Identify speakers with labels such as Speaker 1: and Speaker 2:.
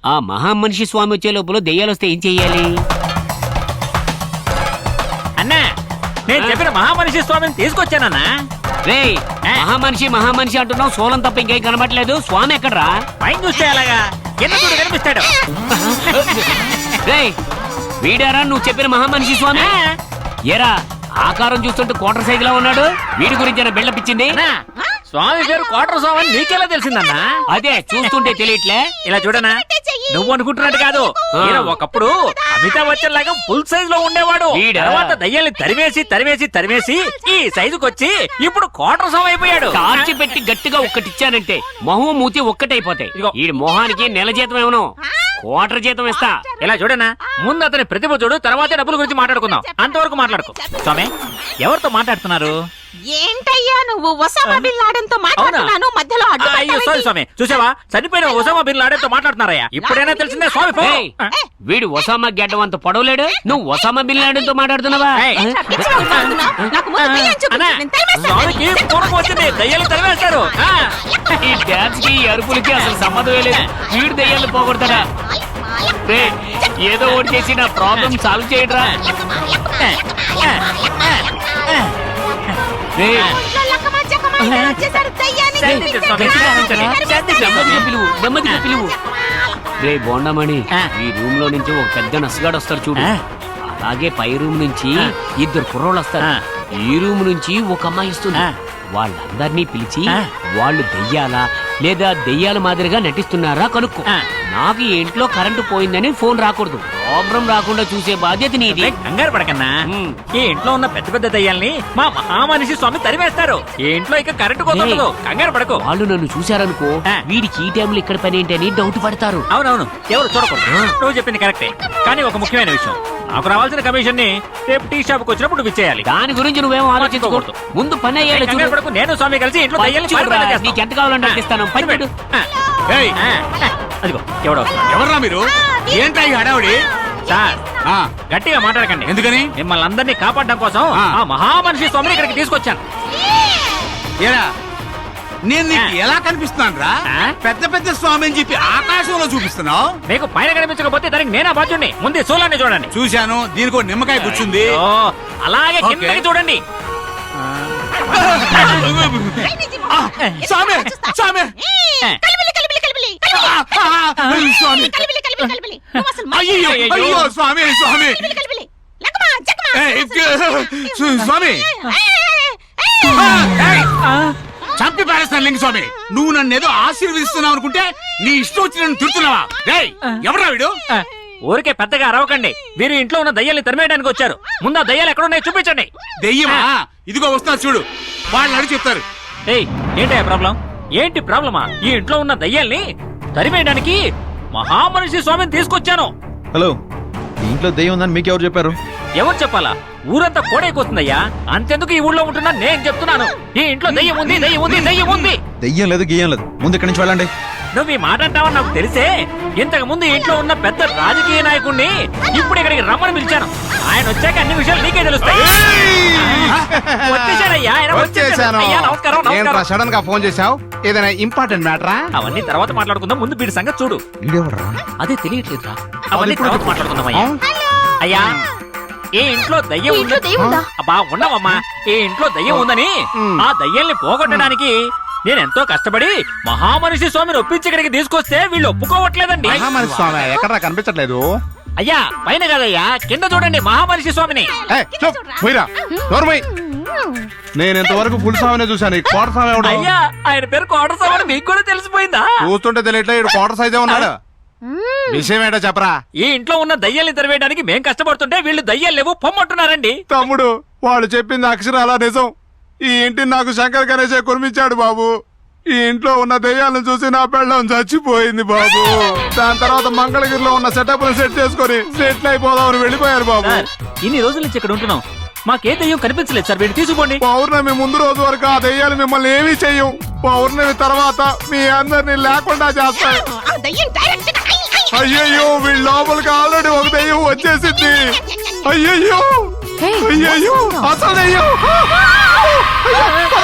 Speaker 1: ఆ మహామనిషి స్వామి వచ్చే లోపల దెయ్యాలు వస్తే ఏం చెయ్యాలి?
Speaker 2: అన్నా నేను చెప్పిన మహామనిషి స్వామిని తీసుకొచ్చానన్నా.
Speaker 1: రే మహామనిషి అంటున్నావు, సోలం తప్ప ఇంకేం కనబడలేదు. స్వామి ఎక్కడ్రా?
Speaker 2: పైన చూస్తే అలాగా కింద చూడు కనిపిస్తాడు.
Speaker 1: రే వీడారా నువ్వు చెప్పిన మహామనిషి స్వామి? ఏరా ఆకారం చూస్తుంటే కోటర్ సైజ్ లా ఉన్నాడు. వీడి గురించి బిల్డప్ ఇచ్చింది.
Speaker 2: స్వామి పేరు కోటర్ స్వామి అని నీకెలా తెలిసిందన్నా?
Speaker 1: అదే చూస్తుంటే తెలియట్లే.
Speaker 2: ఇలా చూడనా, నువ్వు అనుకుంటున్నట్టు కాదు. ఈయన ఒకప్పుడు అమితాబ్ బచ్చన్ లాగా ఫుల్ సైజ్ లో ఉండేవాడు. తర్వాత దయ్యాల్ని తరివేసి ఈ సైజుకి వచ్చి ఇప్పుడు కోటర్ స్వామి అయిపోయాడు.
Speaker 1: టార్చి పెట్టి గట్టిగా ఒక్కటిచ్చానంటే మొహం మూతి ఒక్కటైపోతాయి. ఈ మొహానికి నెల జీతం ఏమను కోటర్ జీతం ఇస్తా.
Speaker 2: ఇలా చూడనా, ముందు అతని ప్రతిభ చూడు, తర్వాతే డబ్బుల గురించి మాట్లాడుకుందాం. అంతవరకు మాట్లాడుకో. స్వామి ఎవరితో మాట్లాడుతున్నారు?
Speaker 3: ఏంటయ్యా నువ్వు ఒసామా బిన్ లాడెన్ తో మాట్లాడుతున్నాను మధ్యలో అడ్డు.
Speaker 2: అయ్యో సారీ స్వామి, చూసావా చనిపోయిన ఒసామా బిన్ లాడెన్ తో మాట్లాడుతున్నారయ్యా. ఇప్పుడైనా తెలిసిందే స్వామి.
Speaker 1: వీడు ఒసామా గెడ్డం అంత పొడవలేడు, నువ్వు ఒసామా బిన్ లాడెన్ తో మాట్లాడుతున్నావా?
Speaker 2: స్వామికి పూర్వం వచ్చింది, దయ్యాలు తరివేస్తారు.
Speaker 1: ఈ డాన్స్ కి అరుపులకి అసలు సంబంధమే లేదు. వీడు దయ్యాలు పోగొడతాడా? ఏదో ఒకటి చేసి నా ప్రాబ్లం సాల్వ్ చేయడరా. రే బోండమణి, ఈ రూమ్ లో నుంచి ఒక పెద్ద నసగాడు వస్తాడు చూడు. అలాగే పై రూమ్ నుంచి ఇద్దరు కుర్రోళ్ళు వస్తారు. ఈ రూమ్ నుంచి ఒక అమ్మాయి వస్తుంది. వాళ్ళందరినీ పిలిచి వాళ్ళు దెయ్యాలా లేదా దెయ్యాల మాదిరిగా నటిస్తున్నారా కనుక్కో. నాకు ఈ ఇంట్లో కరెంటు పోయిందని ఫోన్ రాకూడదు. ప్రాబ్లం రాకుండా చూసే బాధ్యత నీది.
Speaker 2: కంగారు పడకన్నా, ఈ ఇంట్లో ఉన్న పెద్ద పెద్ద దయ్యాల్ని మా మహామనిషి స్వామి తరివేస్తారు. ఈ ఇంట్లో ఇక కరెంటు కోతలు. కంగారు పడకు.
Speaker 1: వాళ్ళు నన్ను చూశారనుకో, వీడికి ఈ టైంలో ఇక్కడ పని ఏంటని డౌట్ పడతారు.
Speaker 2: అవునవును, ఎవరు చూడకూడదు. నువ్వు చెప్పింది కరెక్టే. కానీ ఒక ముఖ్యమైన విషయం, నాకు రావాల్సిన కమిషన్ ని రేపు టీ షాప్ కు వచ్చినప్పుడు నువ్వు ఇచ్చేయాలి.
Speaker 1: దాని గురించి నువ్వేమో ఆలోచించకూడదు. ముందు పని అయ్యాలి.
Speaker 2: నేను స్వామి కలిసి ఇంట్లో
Speaker 1: నీకు ఎంత కావాలంటే ఇస్తాను.
Speaker 2: అదిగో ఎవడో.
Speaker 4: ఎవర్రా మీరు? ఏంటా ఈ హడావుడి?
Speaker 2: సార్ గట్టిగా మాట్లాడకండి.
Speaker 4: ఎందుకని?
Speaker 2: మిమ్మల్ని అందరినీ కాపాడడం కోసం ఆ మహామనిషి స్వామిని ఇక్కడికి తీసుకొచ్చాను.
Speaker 4: ఏరా నేను నీకు ఎలా కనిపిస్తున్నాను రా? పెద్ద పెద్ద స్వామి అని చెప్పి ఆకాశంలో చూపిస్తున్నావు.
Speaker 2: మీకు పైన కనిపించకపోతే దానికి నేనే బాధ్యుడిని. ముందే సోలాన్ని చూడండి.
Speaker 4: చూశాను, దీనికి నిమ్మకాయ కూర్చుంది.
Speaker 2: అలాగే కిందకి చూడండి.
Speaker 4: స్వామి స్వామి అయ్యో స్వామి స్వామి స్వామి చంపి పారేస్తాను లింగ స్వామి. నువ్వు నన్ను ఏదో ఆశీర్వదిస్తున్నావు అనుకుంటే నీ ఇష్టం వచ్చి నన్ను తిడుతున్నావా? ఎవరా వీడు?
Speaker 2: ఊరికే పెద్దగా అరవకండి. వీరు ఇంట్లో ఉన్న దయ్యాల్ని తరిమేయడానికి వచ్చారు. ముందు ఆ దయ్యాలు ఎక్కడున్నాయో చూపించండి.
Speaker 4: దెయ్యమా? ఇదిగో వస్తున్నా చూడు. వాళ్ళు అడిగి చెప్తారు.
Speaker 2: ఏంటయ్యా ప్రాబ్లం? ఏంటి ప్రాబ్లమా? ఈ ఇంట్లో ఉన్న దయ్యాల్ని తరిమేయడానికి మహామనిషి స్వామిని తీసుకొచ్చాను.
Speaker 5: హలో, ఇంట్లో దెయ్యం ఉందని మీకెవరు చెప్పారు?
Speaker 2: ఎవరు చెప్పాలా? ఊరంతా కోడైపోతుందయ్యా. అంతెందుకు ఈ ఊళ్ళో ఉంటున్నా నేను చెప్తున్నాను. ఈ ఇంట్లో దయ్యం ఉంది, దయ్యం ఉంది, దయ్యం ఉంది.
Speaker 5: దెయ్యం లేదు, గీయం లేదు. ముందు ఇక్కడి నుంచి వెళ్ళండి.
Speaker 2: నువ్వు ఈ మాట అంటావని నాకు తెలిసే ఇంతకు ముందు ఇంట్లో ఉన్న పెద్ద రాజకీయ నాయకుడిని ఇప్పుడు ఇక్కడికి రమ్మని పిలిచాను. ఆయన వచ్చాక అన్ని విషయాలు నీకే తెలుస్తాయి.
Speaker 4: సడన్ గా ఫోన్ చేశావు, ఏదైనా ఇంపార్టెంట్ మ్యాటరా?
Speaker 2: అవన్నీ తర్వాత మాట్లాడుకుందాం. ముందు వీడి సంగతి చూడు. అదే తెలియట్లేదురా. అవన్నీ తర్వాత మాట్లాడుకుందాం. అయ్యా, ఈ ఇంట్లో దయ్యం ఉందా? అబ్బా ఉండవమ్మా. ఈ ఇంట్లో దయ్యం ఉందని ఆ దయ్యాల్ని పోగొట్టడానికి నేనెంతో కష్టపడి మహామనిషి స్వామిని ఒప్పించి ఇక్కడికి తీసుకొస్తే వీళ్ళు ఒప్పుకోవట్లేదండి.
Speaker 4: మహామనిషి స్వామి ఎక్కడ కనిపించట్లేదు?
Speaker 2: అయ్యా పైన కాదయ్యా, కింద చూడండి మహామనిషి స్వామిని.
Speaker 4: నేను ఇంతవరకు ఫుల్ స్వామినే చూశాను. కోట స్వామి ఎవడు?
Speaker 2: అయ్యా ఆయన పేరు కోట స్వామి. మీకు కూడా తెలిసిపోయిందా?
Speaker 4: చూస్తుంటే తెలియట్లేదు. కోట సైజే ఉన్నాడు. విషయం ఏంటో చెప్పరా?
Speaker 2: ఈ ఇంట్లో ఉన్న దయ్యాల్ని తెరవేయడానికి మేం కష్టపడుతుంటే వీళ్ళు దయ్యాలు లేవు పొమ్మంటున్నారండి.
Speaker 4: తమ్ముడు, వాళ్ళు చెప్పింది అక్షరాలా నిజం. ఈ ఇంటిని నాకు శంకర్ గణేశే కొనిపించాడు బాబు. ఈ ఇంట్లో ఉన్న దెయ్యాలను చూసి నా పెళ్ళం చచ్చిపోయింది బాబు. దాని తర్వాత మంగళగిరిలో ఉన్న సెటప్ సెట్ చేసుకుని సెటిల్ అయిపోదామని వెళ్ళిపోయారు బాబు.
Speaker 2: ఇన్ని రోజుల నుంచి ఇక్కడ ఉంటున్నాం, మాకే దెయ్యం కనిపించలేదు సార్. వీళ్ళు తీసుకోండి.
Speaker 4: పౌర్ణమి ముందు రోజు వరకు ఆ దెయ్యాలు మిమ్మల్ని ఏమీ చెయ్యం. పౌర్ణమి తర్వాత మీ అందరినీ లేకుండా చేస్తాయి. అయ్యయ్యో, వీళ్ళ లోపలికి ఆల్రెడీ ఒక దెయ్యం వచ్చేసింది. అయ్యయ్యో అయ్యయ్యో, అసలు దెయ్యం